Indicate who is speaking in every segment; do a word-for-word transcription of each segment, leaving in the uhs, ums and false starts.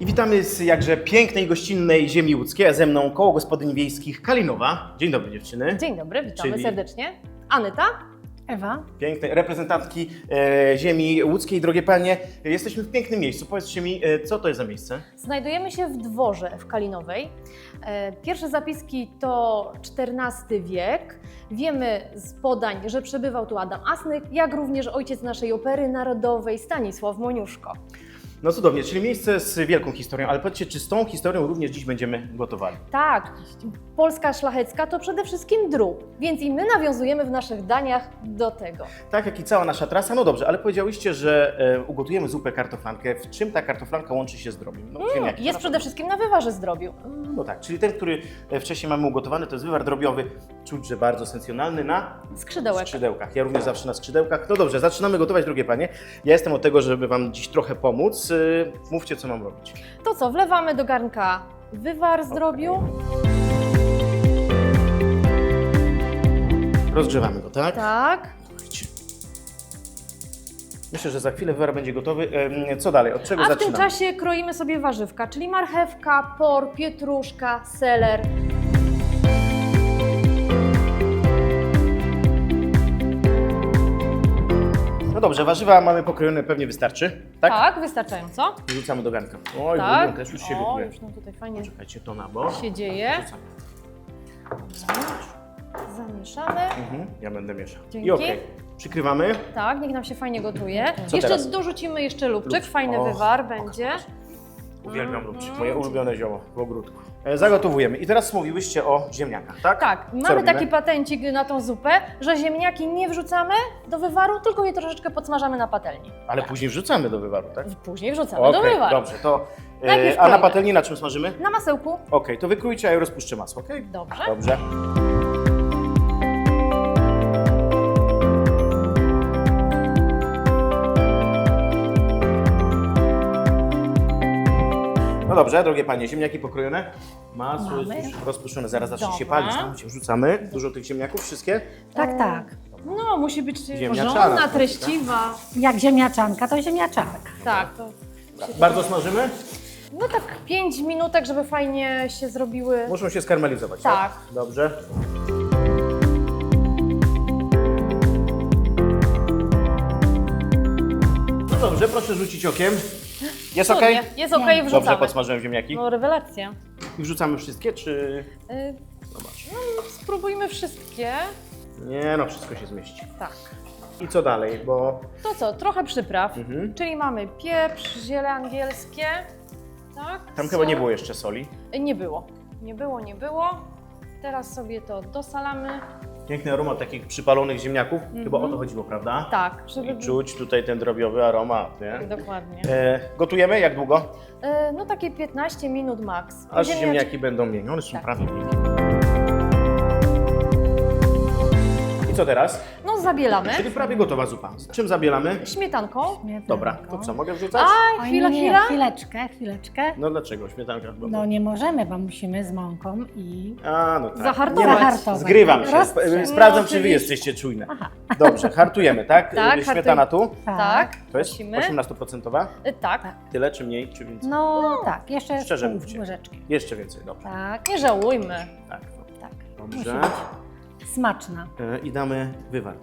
Speaker 1: I witamy z jakże pięknej, gościnnej ziemi łódzkiej, a ze mną Koło Gospodyń Wiejskich Kalinowa. Dzień dobry dziewczyny.
Speaker 2: Dzień dobry, witamy
Speaker 1: Czyli-
Speaker 2: serdecznie. Anyta?
Speaker 3: Ewa?
Speaker 1: Pięknej reprezentantki e, ziemi łódzkiej. Drogie panie, jesteśmy w pięknym miejscu. Powiedzcie mi, e, co to jest za miejsce?
Speaker 2: Znajdujemy się w dworze w Kalinowej. E, Pierwsze zapiski to czternasty wiek. Wiemy z podań, że przebywał tu Adam Asnyk, jak również ojciec naszej opery narodowej Stanisław Moniuszko.
Speaker 1: No cudownie, czyli miejsce z wielką historią, ale powiedzcie, czy z tą historią również dziś będziemy gotowali?
Speaker 2: Tak, Polska szlachecka to przede wszystkim drób, więc i my nawiązujemy w naszych daniach do tego.
Speaker 1: Tak jak i cała nasza trasa. No dobrze, ale powiedziałyście, że e, ugotujemy zupę kartoflankę. W czym ta kartoflanka łączy się z drobiem? No,
Speaker 2: Mm,
Speaker 1: ziemniaki.
Speaker 2: jest przede wszystkim na wywarze zdrobiu.
Speaker 1: No tak, czyli ten, który e, wcześniej mamy ugotowany, to jest wywar drobiowy. Czuć, że bardzo sensjonalny na
Speaker 2: Skrzydełek.
Speaker 1: skrzydełkach. Ja również zawsze na skrzydełkach. No dobrze, zaczynamy gotować, drogie panie. Ja jestem od tego, żeby wam dziś trochę pomóc. Yy, mówcie, co mam robić.
Speaker 2: To co, wlewamy do garnka wywar zdrobiu.
Speaker 1: Rozgrzewamy go, tak?
Speaker 2: Tak.
Speaker 1: Słuchajcie. Myślę, że za chwilę wywar będzie gotowy. Ym, co dalej? Od czego
Speaker 2: A w
Speaker 1: zaczynamy?
Speaker 2: tym czasie kroimy sobie warzywka, czyli marchewka, por, pietruszka, seler.
Speaker 1: No dobrze, warzywa mamy pokrojone, pewnie wystarczy, tak?
Speaker 2: Tak, wystarczająco.
Speaker 1: Wrzucamy do garnka. Oj,
Speaker 2: Tak.
Speaker 1: bulion też już się
Speaker 2: O,
Speaker 1: gotuje.
Speaker 2: już nam tutaj fajnie
Speaker 1: Czekajcie, to na bok.
Speaker 2: się dzieje.
Speaker 1: Wrzucamy.
Speaker 2: Zamieszamy.
Speaker 1: Mhm, ja będę mieszał.
Speaker 2: Dzięki.
Speaker 1: I okej. Przykrywamy.
Speaker 2: Tak, niech nam się fajnie gotuje.
Speaker 1: Co
Speaker 2: Jeszcze
Speaker 1: teraz?
Speaker 2: dorzucimy jeszcze lubczyk,
Speaker 1: Lubczyk.
Speaker 2: fajny
Speaker 1: Och,
Speaker 2: wywar
Speaker 1: och,
Speaker 2: będzie.
Speaker 1: Uwielbiam lubczyk, moje ulubione zioło w ogródku. E, Zagotowujemy. I teraz mówiłyście o ziemniakach, tak?
Speaker 2: Tak,
Speaker 1: Co
Speaker 2: mamy
Speaker 1: robimy?
Speaker 2: taki patencik na tą zupę, że ziemniaki nie wrzucamy do wywaru, tylko je troszeczkę podsmażamy na patelni.
Speaker 1: Ale później wrzucamy do wywaru, tak?
Speaker 2: Później wrzucamy do
Speaker 1: Okej,
Speaker 2: wywaru.
Speaker 1: dobrze, to... E,
Speaker 2: Najpierw
Speaker 1: a na
Speaker 2: kroimy.
Speaker 1: patelni na czym smażymy?
Speaker 2: Na masełku.
Speaker 1: Okej, to wykrójcie, a ja rozpuszczę masło, okej?
Speaker 2: Dobrze.
Speaker 1: Dobrze. No dobrze, drogie panie, ziemniaki pokrojone. Masło
Speaker 3: Mamy.
Speaker 1: jest już rozpuszczone, zaraz zacznie się
Speaker 2: Dobra.
Speaker 1: palić. Tam się wrzucamy. Dużo tych ziemniaków, wszystkie?
Speaker 3: Tak, tak.
Speaker 2: No, musi być
Speaker 1: Ziemniaczana,
Speaker 2: porządna,
Speaker 1: tak?
Speaker 2: treściwa.
Speaker 3: Jak ziemniaczanka, to ziemniaczanka.
Speaker 2: Tak, to
Speaker 1: Bardzo smażymy?
Speaker 2: no tak pięć minutek, żeby fajnie się zrobiły.
Speaker 1: Muszą się skarmelizować,
Speaker 2: Tak.
Speaker 1: Dobrze. No dobrze, proszę rzucić okiem. Jest ok?
Speaker 2: Cudnie. Jest okej,
Speaker 3: Nie.
Speaker 2: wrzucamy.
Speaker 1: Dobrze, podsmażyłem ziemniaki.
Speaker 2: No, rewelacja.
Speaker 1: I wrzucamy wszystkie, czy...
Speaker 2: Y,
Speaker 1: Zobacz.
Speaker 2: no, spróbujmy wszystkie.
Speaker 1: Nie no, wszystko się zmieści.
Speaker 2: Tak.
Speaker 1: I co dalej, bo...
Speaker 2: To co, trochę przypraw,
Speaker 1: Mhm.
Speaker 2: czyli mamy pieprz, ziele angielskie, tak?
Speaker 1: Tam
Speaker 2: sól.
Speaker 1: chyba nie było jeszcze soli.
Speaker 2: Y, Nie było, nie było, nie było. Teraz sobie to dosalamy.
Speaker 1: Piękny aromat takich przypalonych ziemniaków. Chyba o to chodziło, prawda?
Speaker 2: Tak, żeby...
Speaker 1: I czuć tutaj ten drobiowy aromat, nie?
Speaker 2: Dokładnie.
Speaker 1: E, gotujemy? Jak długo?
Speaker 2: Y, no takie piętnaście minut max.
Speaker 1: Aż
Speaker 2: Ziemniaczki-
Speaker 1: ziemniaki będą miękkie. One są
Speaker 2: Tak.
Speaker 1: prawie miękkie. I co teraz?
Speaker 2: No zabielamy
Speaker 1: Czyli prawie gotowa zupa. Z czym zabielamy?
Speaker 2: śmietanką.
Speaker 3: Śmietanką.
Speaker 1: Dobra, to co, mogę wrzucać?
Speaker 2: A,
Speaker 3: Oj,
Speaker 2: chwila,
Speaker 3: nie, nie,
Speaker 2: chwila.
Speaker 3: chwileczkę, chwileczkę.
Speaker 1: No dlaczego? Śmietanka chyba.
Speaker 3: No nie możemy, bo musimy z mąką i
Speaker 1: A, no tak.
Speaker 2: Zahartować.
Speaker 1: Nie ma-
Speaker 3: Zahartować.
Speaker 1: Zgrywam się.
Speaker 3: Rozstrzał.
Speaker 1: Sp- Sprawdzam,
Speaker 2: No,
Speaker 1: czy wy
Speaker 2: oczywiście.
Speaker 1: jesteście czujne.
Speaker 3: Aha.
Speaker 1: Dobrze, hartujemy, tak?
Speaker 2: Tak,
Speaker 1: Y, Śmietana tu.
Speaker 2: Tak,
Speaker 1: To jest
Speaker 2: prosimy.
Speaker 1: osiemnaście procent?
Speaker 2: Y, tak,
Speaker 1: Tyle, czy mniej, czy więcej?
Speaker 3: No tak, jeszcze
Speaker 1: Szczerze
Speaker 3: pół
Speaker 1: mówcie.
Speaker 3: łyżeczki.
Speaker 1: Jeszcze więcej, dobrze.
Speaker 3: Tak,
Speaker 2: nie żałujmy.
Speaker 1: Tak,
Speaker 3: tak.
Speaker 1: dobrze.
Speaker 3: Musi być smaczna.
Speaker 1: E, I damy wywar.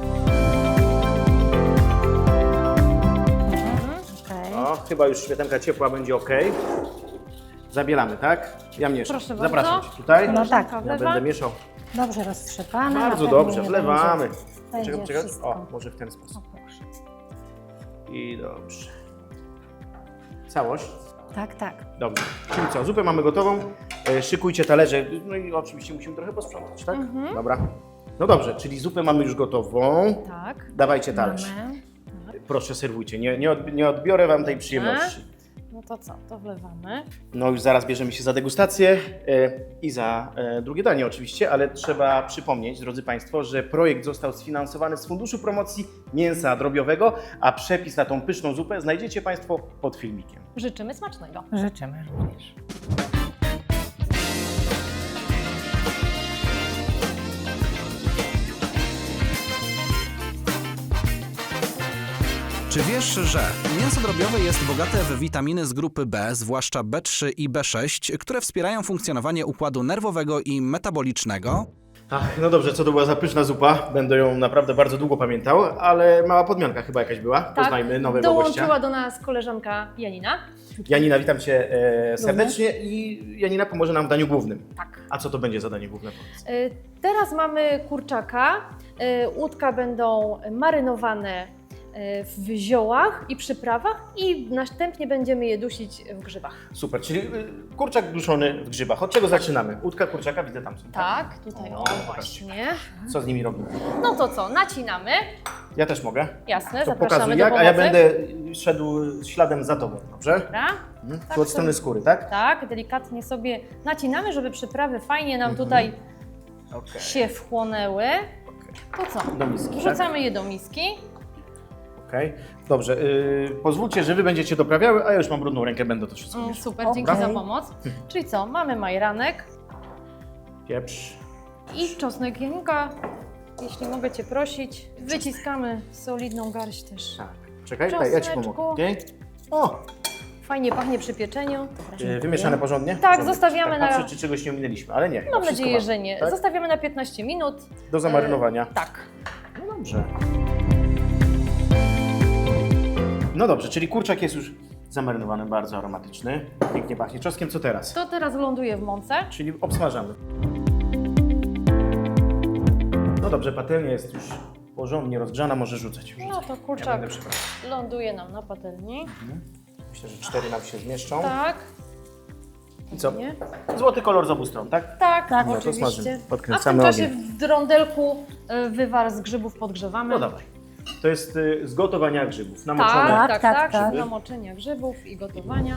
Speaker 3: Okej.
Speaker 1: O, chyba już śmietanka ciepła będzie ok. Zabielamy, tak? Ja mieszam.
Speaker 2: Proszę bardzo.
Speaker 1: Zapraszam Cię tutaj.
Speaker 3: No tak.
Speaker 1: Ja
Speaker 2: Wlewa.
Speaker 1: będę mieszał.
Speaker 3: Dobrze roztrzepane. na
Speaker 1: Bardzo
Speaker 3: pewno
Speaker 1: dobrze,
Speaker 3: nie
Speaker 1: wlewamy.
Speaker 3: Będzie, będzie
Speaker 1: Czekaj, czekaj.
Speaker 3: wszystko.
Speaker 1: O, może w ten sposób.
Speaker 3: O, proszę.
Speaker 1: I dobrze. Całość?
Speaker 3: Tak, tak.
Speaker 1: Dobrze. Czyli co, zupę mamy gotową. E, szykujcie talerze. No i oczywiście musimy trochę posprzątać, tak?
Speaker 2: Mhm.
Speaker 1: Dobra. No dobrze, czyli zupę mamy już gotową.
Speaker 2: Tak.
Speaker 1: Dawajcie talerz.
Speaker 3: Mamy.
Speaker 1: Proszę, serwujcie. Nie, nie, odb- nie odbiorę Wam tej przyjemności.
Speaker 2: No to co, to wlewamy.
Speaker 1: No już zaraz bierzemy się za degustację e, i za e, drugie danie oczywiście, ale trzeba przypomnieć, drodzy Państwo, że projekt został sfinansowany z Funduszu Promocji Mięsa Drobiowego, a przepis na tą pyszną zupę znajdziecie Państwo pod filmikiem.
Speaker 2: Życzymy smacznego.
Speaker 3: Życzymy również.
Speaker 4: Czy wiesz, że mięso drobiowe jest bogate w witaminy z grupy B, zwłaszcza B trzy i B sześć, które wspierają funkcjonowanie układu nerwowego i metabolicznego?
Speaker 1: Ach, no dobrze, co to była za pyszna zupa? Będę ją naprawdę bardzo długo pamiętał, ale mała podmianka chyba jakaś była. Poznajmy nowego
Speaker 2: dołączyła
Speaker 1: gościa.
Speaker 2: do nas koleżanka Janina.
Speaker 1: Janina, witam Cię e, serdecznie i Janina pomoże nam w daniu głównym.
Speaker 2: Tak.
Speaker 1: A co to będzie za danie główne? Powiedz.
Speaker 2: Y, Teraz mamy kurczaka. Y, Łódka będą marynowane y, w ziołach i przyprawach i następnie będziemy je dusić w grzybach.
Speaker 1: Super, czyli y, kurczak duszony w grzybach. Od czego zaczynamy? Łódka, kurczaka, widzę tam są.
Speaker 2: Tak, tutaj
Speaker 1: O,
Speaker 2: o,
Speaker 1: pokażcie.
Speaker 2: właśnie.
Speaker 1: Co z nimi robimy?
Speaker 2: No to co, nacinamy.
Speaker 1: Ja też mogę.
Speaker 2: Jasne,
Speaker 1: To
Speaker 2: zapraszamy
Speaker 1: pokazuj
Speaker 2: do
Speaker 1: jak,
Speaker 2: pomocy.
Speaker 1: a ja będę szedł śladem za Tobą, dobrze?
Speaker 2: Dobra.
Speaker 1: Mhm.
Speaker 2: Tak
Speaker 1: Tu od strony
Speaker 2: sobie-
Speaker 1: skóry, tak?
Speaker 2: Tak, delikatnie sobie nacinamy, żeby przyprawy fajnie nam
Speaker 1: Mhm.
Speaker 2: tutaj
Speaker 1: Okej.
Speaker 2: się wchłonęły. To co?
Speaker 1: Do miski, tak?
Speaker 2: Wrzucamy je do miski.
Speaker 1: Okej. Dobrze, y, pozwólcie, że Wy będziecie doprawiały, a ja już mam brudną rękę, będę to wszystko
Speaker 2: Mm,
Speaker 1: mieszał.
Speaker 2: super,
Speaker 3: Okej.
Speaker 2: dzięki za pomoc. Czyli co? Mamy majeranek
Speaker 1: Pieprz.
Speaker 2: i czosnek. Janinka, jeśli mogę Cię prosić, wyciskamy solidną garść też.
Speaker 1: Tak. Czekaj, daj, ja Ci
Speaker 2: Czosneczku.
Speaker 1: pomogę. Okay? O,
Speaker 2: Fajnie pachnie przy pieczeniu.
Speaker 1: y, wymieszane porządnie?
Speaker 2: Tak,
Speaker 1: Porządnie.
Speaker 2: zostawiamy
Speaker 1: tak,
Speaker 2: na-
Speaker 1: Patrzę, czy czegoś nie ominęliśmy, ale nie.
Speaker 2: Mam
Speaker 1: wszystko
Speaker 2: nadzieję,
Speaker 1: mamy,
Speaker 2: że nie.
Speaker 1: Tak?
Speaker 2: Zostawiamy na piętnaście minut.
Speaker 1: Do zamarynowania.
Speaker 2: Tak.
Speaker 1: No dobrze. No dobrze, czyli kurczak jest już zamarynowany, bardzo aromatyczny. Pięknie pachnie. Czosnkiem co teraz?
Speaker 2: To teraz ląduje w mące.
Speaker 1: Czyli obsmażamy. No dobrze, patelnia jest już porządnie rozgrzana, może rzucać.
Speaker 2: No to
Speaker 1: Ja
Speaker 2: kurczak
Speaker 1: będę przepraszał.
Speaker 2: ląduje nam na patelni.
Speaker 1: Myślę, że cztery nam się zmieszczą.
Speaker 2: Tak.
Speaker 1: I co?
Speaker 2: Nie?
Speaker 1: Złoty kolor z obu stron, tak?
Speaker 2: Tak,
Speaker 3: Tak.
Speaker 1: No to
Speaker 2: oczywiście.
Speaker 1: smażymy.
Speaker 2: A w tym
Speaker 1: Podkręcamy
Speaker 2: czasie
Speaker 1: ogień.
Speaker 2: w rondelku y, wywar z grzybów podgrzewamy.
Speaker 1: No dawaj. To jest y, z gotowania grzybów, namoczone.
Speaker 2: Tak,
Speaker 3: Tak,
Speaker 2: tak,
Speaker 3: tak,
Speaker 2: tak.
Speaker 3: tak.
Speaker 2: Namoczenia grzybów i gotowania.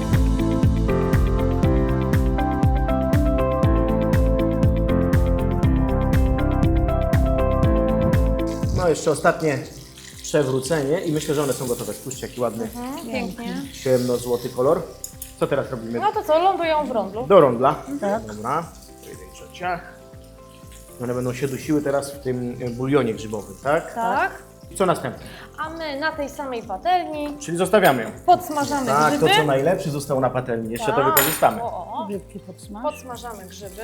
Speaker 1: No jeszcze ostatnie przewrócenie i myślę, że one są gotowe. Spójrzcie, jaki ładny,
Speaker 2: Mhm, pięknie.
Speaker 1: ciemno-złoty kolor. Co teraz robimy?
Speaker 2: No to co, lądują w rondlu.
Speaker 1: Do rondla.
Speaker 3: Tak.
Speaker 1: Dobra. Pojedynczo ciach. One będą się dusiły teraz w tym y, bulionie grzybowym, tak?
Speaker 2: Tak.
Speaker 1: I co następne?
Speaker 2: A my na tej samej patelni
Speaker 1: Czyli zostawiamy ją.
Speaker 2: podsmażamy
Speaker 1: Tak,
Speaker 2: grzyby.
Speaker 1: to co najlepsze zostało na patelni. Jeszcze to
Speaker 2: Tak.
Speaker 1: wykorzystamy.
Speaker 2: O, o.
Speaker 3: Wielki podsmaż.
Speaker 2: Podsmażamy grzyby.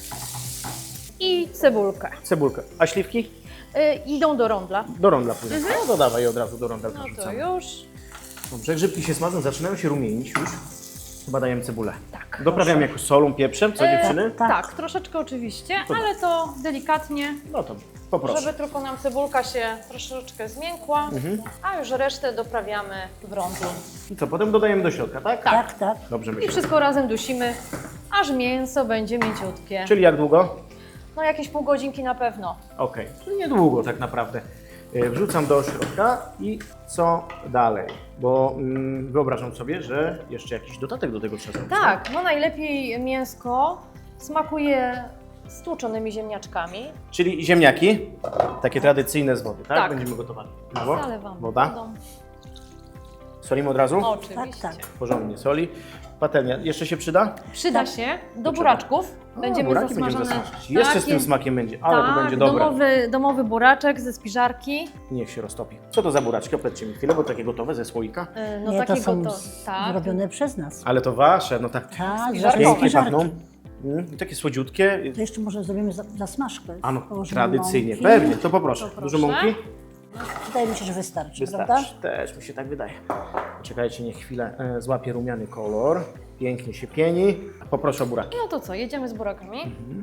Speaker 2: I cebulkę.
Speaker 1: Cebulkę. A śliwki?
Speaker 2: Y, idą do rondla.
Speaker 1: Do rondla później. No to dawaj je od razu do rondla
Speaker 2: No to
Speaker 1: wrzucamy.
Speaker 2: już.
Speaker 1: Dobrze, grzybki się smażą, zaczynają się rumienić już. Chyba dajemy cebulę.
Speaker 2: Tak.
Speaker 1: Doprawiamy jakoś solą, pieprzem, co
Speaker 2: E,
Speaker 1: dziewczyny?
Speaker 2: Tak.
Speaker 3: Tak.
Speaker 2: troszeczkę oczywiście,
Speaker 1: To-
Speaker 2: ale to delikatnie,
Speaker 1: No to poproszę.
Speaker 2: żeby tylko nam cebulka się troszeczkę zmiękła,
Speaker 1: Mhm.
Speaker 2: a już resztę doprawiamy w rondlu.
Speaker 1: I co, potem dodajemy do środka, tak?
Speaker 3: Tak, tak.
Speaker 1: Dobrze
Speaker 2: I
Speaker 1: myślę.
Speaker 2: wszystko razem dusimy, aż mięso będzie mięciutkie.
Speaker 1: Czyli jak długo?
Speaker 2: No jakieś pół godzinki na pewno.
Speaker 1: Okej, czyli niedługo tak naprawdę. E, Wrzucam do środka i co dalej? Bo mm, wyobrażam sobie, że jeszcze jakiś dodatek do tego trzeba zrobić.
Speaker 2: Tak, no najlepiej mięsko smakuje stłuczonymi ziemniaczkami.
Speaker 1: Czyli ziemniaki, takie tradycyjne z wody, tak?
Speaker 2: Tak.
Speaker 1: Będziemy gotowali. Brawo.
Speaker 2: Zalewamy
Speaker 1: Woda.
Speaker 2: wodą.
Speaker 1: Solimy od razu?
Speaker 2: Oczywiście.
Speaker 3: Tak, tak.
Speaker 1: Porządnie soli. Patelnia jeszcze się przyda?
Speaker 2: Przyda się do buraczków. Będziemy
Speaker 1: O, buraki
Speaker 2: zasmażone.
Speaker 1: będziemy zasmażać. Jeszcze z tym
Speaker 2: jest-
Speaker 1: smakiem będzie, ale
Speaker 2: tak,
Speaker 1: to będzie dobre.
Speaker 2: Domowy, domowy buraczek ze spiżarki.
Speaker 1: Niech się roztopi. Co to za buraczki? Opowiedzcie mi chwilę, bo takie gotowe ze słoika.
Speaker 2: Yy, No
Speaker 3: Nie, to
Speaker 2: takiego
Speaker 3: są
Speaker 2: to.
Speaker 3: z-
Speaker 2: Tak.
Speaker 3: zrobione przez nas.
Speaker 1: Ale to wasze, no tak.
Speaker 3: Tak,
Speaker 2: Spiżarkowe.
Speaker 1: Pięknie
Speaker 3: żarki.
Speaker 1: pachną. Mm, i takie słodziutkie.
Speaker 3: To jeszcze może zrobimy za- zasmażkę.
Speaker 1: A no,
Speaker 3: Położymy
Speaker 1: tradycyjnie.
Speaker 3: mąki.
Speaker 1: Pewnie, to poproszę.
Speaker 2: To
Speaker 1: Dużo
Speaker 2: proszę.
Speaker 1: mąki?
Speaker 3: Wydaje mi się, że wystarczy, prawda?
Speaker 1: Wystarczy. Też mi się tak wydaje. Czekajcie, niech chwilę e, złapie rumiany kolor. Pięknie się pieni. Poproszę o buraki.
Speaker 2: No to co, jedziemy z burakami.
Speaker 1: Mhm.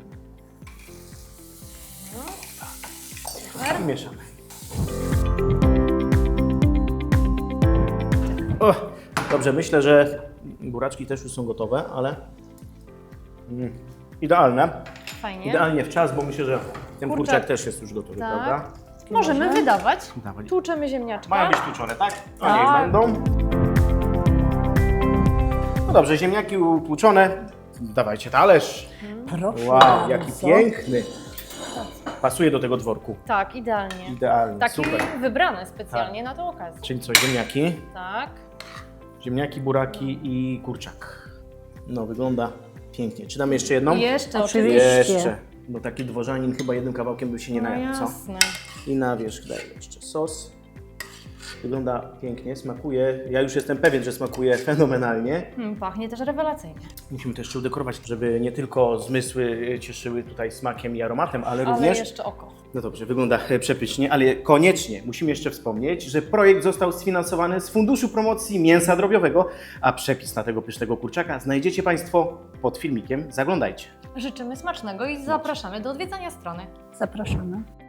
Speaker 2: Super.
Speaker 1: I mieszamy. O, dobrze, myślę, że buraczki też już są gotowe, ale mm, idealne.
Speaker 2: Fajnie.
Speaker 1: Idealnie w czas, bo myślę, że ten
Speaker 2: Kurczak.
Speaker 1: kurczak też jest już gotowy,
Speaker 2: Tak.
Speaker 1: prawda?
Speaker 2: Możemy
Speaker 3: Może?
Speaker 2: wydawać.
Speaker 1: Dawaj.
Speaker 2: Tłuczemy ziemniaczka.
Speaker 1: Mają być tłuczone, tak? No
Speaker 2: Tak.
Speaker 1: niech będą. No dobrze, ziemniaki utłuczone. Dawajcie talerz.
Speaker 3: Proszę
Speaker 1: Wow, jaki
Speaker 3: bardzo.
Speaker 1: piękny. Pasuje do tego dworku.
Speaker 2: Tak, idealnie.
Speaker 1: Idealnie,
Speaker 2: Taki
Speaker 1: super.
Speaker 2: wybrany specjalnie na tę okazję.
Speaker 1: Czyli co, ziemniaki?
Speaker 2: Tak.
Speaker 1: Ziemniaki, buraki i kurczak. No, wygląda pięknie. Czy damy jeszcze jedną?
Speaker 2: Jeszcze
Speaker 3: Oczywiście.
Speaker 1: Jeszcze. No taki dworzanin chyba jednym kawałkiem by się nie
Speaker 2: No
Speaker 1: najadł, co?
Speaker 2: jasne.
Speaker 1: I na wierzch daję jeszcze sos. Wygląda pięknie, smakuje. Ja już jestem pewien, że smakuje fenomenalnie.
Speaker 2: Hmm, pachnie też rewelacyjnie.
Speaker 1: Musimy to jeszcze udekorować, żeby nie tylko zmysły cieszyły tutaj smakiem i aromatem, ale
Speaker 2: Ale
Speaker 1: również...
Speaker 2: jeszcze oko.
Speaker 1: No dobrze, wygląda przepysznie, ale koniecznie musimy jeszcze wspomnieć, że projekt został sfinansowany z Funduszu Promocji Mięsa Drobiowego, a przepis na tego pysznego kurczaka znajdziecie Państwo pod filmikiem. Zaglądajcie.
Speaker 2: Życzymy smacznego i zapraszamy do odwiedzania strony.
Speaker 3: Zapraszamy.